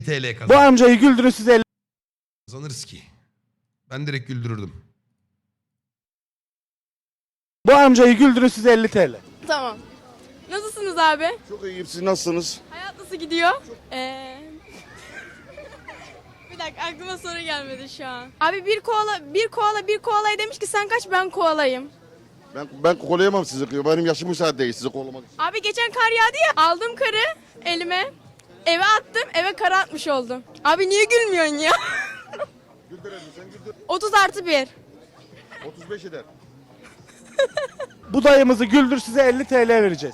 TL Bu kazan. amcayı güldürün size 50. Kazanırız ki. Ben direkt güldürürdüm. Bu amcayı güldürün size 50 TL. Tamam. Nasılsınız abi? Çok iyiyim. Siz nasılsınız? Hayat nasıl gidiyor? Bir dakika aklıma soru gelmedi şu an. Abi bir koalaya demiş ki sen kaç ben koalayım. Ben kolayamam sizi. Benim yaşım müsait değil sizi kollamak için. Abi geçen kar yağdı ya aldım karı elime eve attım eve kar atmış oldum. Abi niye gülmüyorsun ya? Güldür elini, sen güldür. 30+1. 35 eder. Bu dayımızı güldür size 50 TL vereceğiz.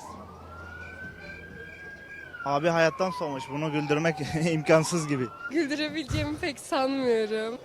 Abi hayattan soğumuş. Bunu güldürmek imkansız gibi. Güldürebileceğimi pek sanmıyorum.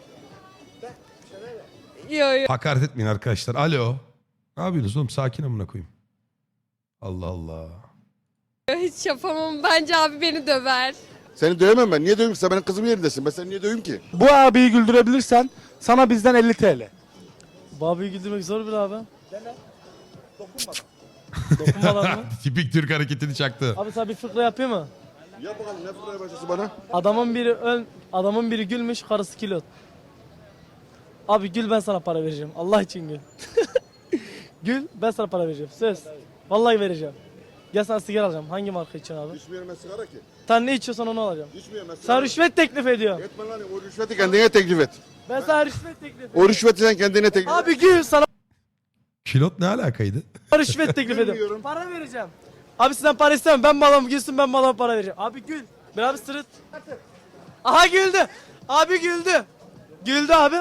Yo yo. Hakaret etmeyin arkadaşlar. Alo. Ne yapıyorsunuz oğlum? Sakin amına koyayım. Allah Allah. Hiç yapamam. Bence abi beni döver. Seni dövemem ben. Niye döveyim ki? Sen benim kızım yerindesin. Ben seni niye döveyim ki? Bu abiyi güldürebilirsen sana bizden 50 TL. Bu abiyi güldürmek zor bir abi. Dene. Dokunmadan mı? Tipik Türk hareketini çaktı. Abi sana bir fıkra yapayım mı? Yap bakalım ne fırlaya başlasın bana. Adamın biri gülmüş, karısı kilot. Abi gül ben sana para vereceğim. Allah için gül. Gül ben sana para vereceğim. Söz. Vallahi vereceğim. Gel sana sigara alacağım. Hangi marka içiyorsun abi? İçmiyorum ben sigara ki. Sen ne içiyorsan onu alacağım. İçmiyorum ben sigara. Sana rüşvet teklif ediyorum. Etme lan o rüşveti kendine teklif et. Ben sana rüşvet teklif ediyorum. O rüşveti sen kendine teklif et. Abi gül sana Kilot ne alakaydı? rüşvet teklif ediyorum. Bilmiyorum. Para vereceğim. Abi sizden para istemem. Ben malım gülsün ben malım para vereceğim. Abi gül. Ben abi sırıt. Aha güldü. Abi güldü. Güldü abi.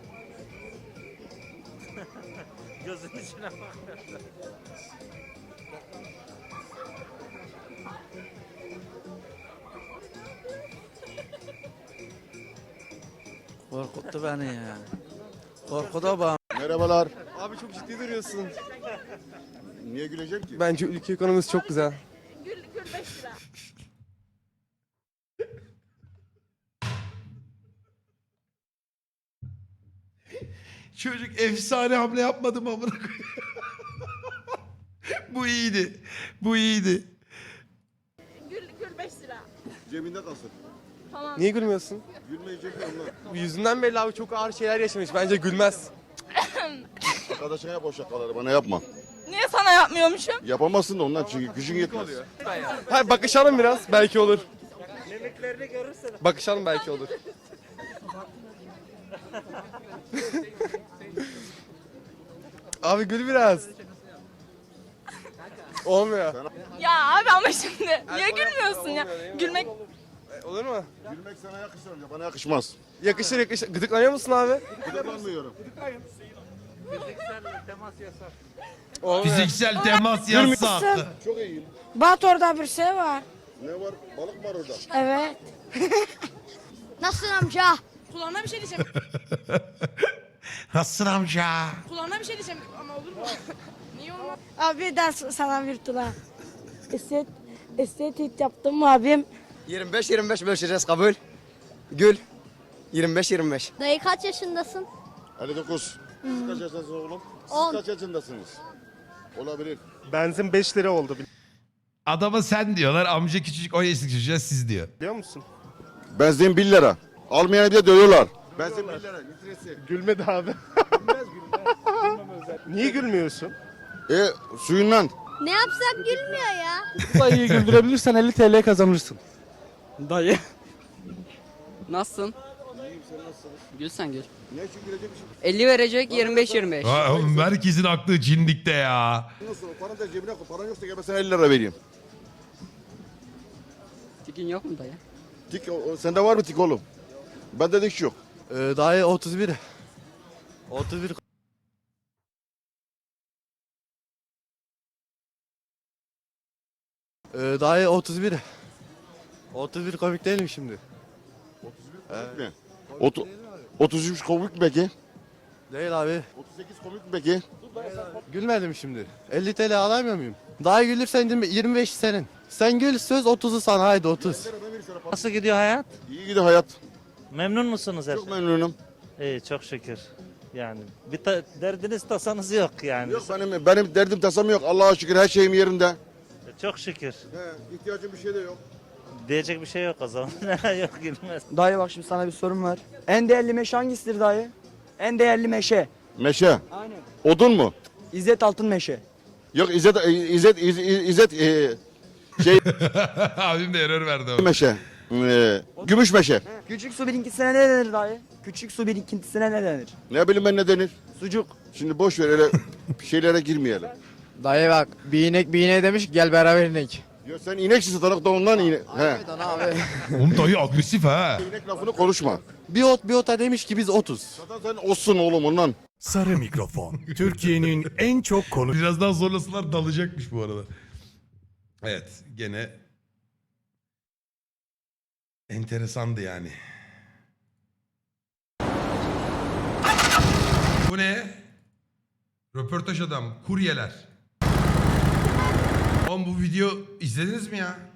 Korkuttu beni ya. Korkuda bana. Merhabalar. Abi çok ciddi duruyorsun. Niye güleceğim ki? Bence ülke ekonomisi çok güzel. Gül 5 lira. Çocuk efsane hamle yapmadı mı amına koyayım? Bu iyiydi. Bu iyiydi. Gül 5 lira. Cebinde kalsın. Niye gülmüyorsun? Gülmeyecek mi onlar? Bu yüzünden belli abi çok ağır şeyler yaşamış. Bence gülmez. Arkadaşına yap o şakaları bana yapma. Niye sana yapmıyormuşum? Yapamazsın da ondan çünkü gücün yetmez. Hayır bakışalım biraz belki olur. Bakışalım belki olur. Abi gül biraz. Olmuyor. Ya abi ama şimdi niye gülmüyorsun ya? Gülmek Olur mu? Gülmek sana yakışır önce bana yakışmaz. Yakışır yakışır. Gıdıklanıyor musun abi? Gıdıklanmıyorum. Olmuyor. Fiziksel temas yasak. Çok iyiyim. Bat orada bir şey var. Ne var? Balık var orada. Evet. Nasılsın amca? kulağına bir şey diyeceğim. Nasılsın amca? Kulağına bir şey diyeceğim ama olur mu? Niye olmaz? Abi ben sana bir tula. Estetik yaptım abim. 25-25 bölüşeceğiz kabul. Gül. 25-25. Dayı kaç yaşındasın? 59. Siz kaç yaşındasınız oğlum? Siz 10. kaç yaşındasınız? Olabilir. Benzin 5 lira oldu Adama sen diyorlar. Amca küçücük 10 yaşındaki çocuğa siz diyor. biliyor musun? Benzin 1 lira. Almayanı bir de dövüyorlar. Benzin 1 lira litresi. Gülmedi abi. Niye gülmüyorsun? Suyundan. Ne yapsak gülmüyor ya. Bu dayıyı güldürebilirsen 50 TL kazanırsın. Dayı. Nasılsın? Gül sen gül. Ne için gülecekmişim? 50 verecek 25-25. Ha, oğlum herkesin aklı cindikte ya. Nasıl? Paranı da cebine koy. Paran yoksa gel ben sana 50 lira vereyim. Tikin yok mu dayı? Tik, sende var mı tik oğlum? Bende dik yok. Dayı 31. 31. Dayı 31. 31 komik değil mi şimdi? Komik mi? 33 komik mi peki? Değil abi. 38 komik mi peki? Gülmedim şimdi. 50 TL alamıyor muyum? Daha gülürsen 25 senin. Sen gül söz 30'u sana haydi 30. Nasıl gidiyor hayat? İyi gidiyor hayat. Memnun musunuz Çok efendim? memnunum. İyi çok şükür. Yani bir derdiniz tasanız yok yani. Yok benim derdim tasam yok. Allah'a şükür her şeyim yerinde. Çok şükür. He, ihtiyacım bir şey de yok. Diyecek bir şey yok o zaman. Yok gülmez. Dayı bak şimdi sana bir sorum var. En değerli meşe hangisidir dayı? En değerli meşe. Meşe. Aynen. Odun mu? İzzet Altın Meşe. Yok İzzet Abim de error verdi ama. meşe. Gümüş meşe. Küçük su birikintisine ne denir dayı? Küçük su birikintisine ne denir? Ne bileyim ben ne denir? Sucuk. Şimdi boş ver öyle şeylere girmeyelim. Dayı bak bir inek bir ineğe demiş ki gel beraber inek. Ya sen ineksin satarak da ondan inek. He. abi. Oğlum dayı agresif ha. İnek lafını konuşma. Bir ota demiş ki biz 30. Zaten sen olsun oğlum ondan. Sarı Mikrofon. Türkiye'nin en çok konu... Biraz daha zorlasalar dalacakmış bu arada. Evet gene enteresandı yani. Bu ne? Röportaj adam, kuryeler. Oğlum bu video izlediniz mi ya?